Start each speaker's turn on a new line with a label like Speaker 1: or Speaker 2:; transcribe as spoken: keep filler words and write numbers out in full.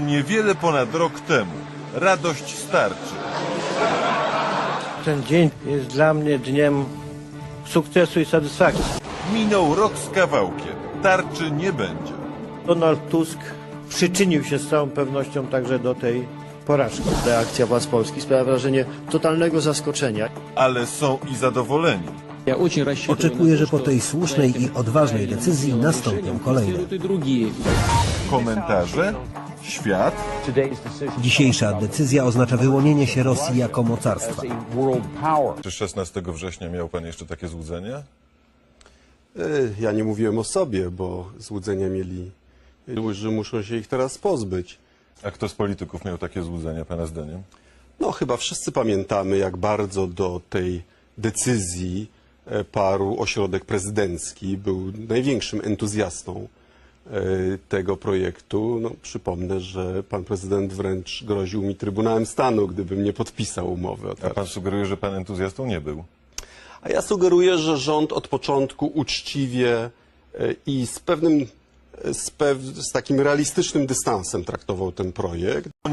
Speaker 1: Niewiele ponad rok temu radość starczy.
Speaker 2: Ten dzień jest dla mnie dniem sukcesu i satysfakcji.
Speaker 1: Minął rok z kawałkiem. Tarczy nie będzie.
Speaker 2: Donald Tusk przyczynił się z całą pewnością także do tej porażki.
Speaker 3: Reakcja władz Polski sprawia wrażenie totalnego zaskoczenia.
Speaker 1: Ale są i zadowoleni.
Speaker 4: Oczekuję, że po tej słusznej i odważnej decyzji nastąpią kolejne.
Speaker 1: Komentarze? Świat?
Speaker 4: Dzisiejsza decyzja oznacza wyłonienie się Rosji jako mocarstwa.
Speaker 1: Czy szesnastego września miał pan jeszcze takie złudzenia?
Speaker 5: Ja nie mówiłem o sobie, bo złudzenia mieli, że muszą się ich teraz pozbyć.
Speaker 1: A kto z polityków miał takie złudzenia, pana zdaniem?
Speaker 5: No chyba wszyscy pamiętamy, jak bardzo do tej decyzji parł ośrodek prezydencki, był największym entuzjastą tego projektu. No, przypomnę, że pan prezydent wręcz groził mi Trybunałem Stanu, gdybym nie podpisał umowy o
Speaker 1: A
Speaker 5: tarczy.
Speaker 1: pan sugeruje, że pan entuzjastą nie był?
Speaker 5: A ja sugeruję, że rząd od początku uczciwie i z pewnym, z, pew, z takim realistycznym dystansem traktował ten projekt.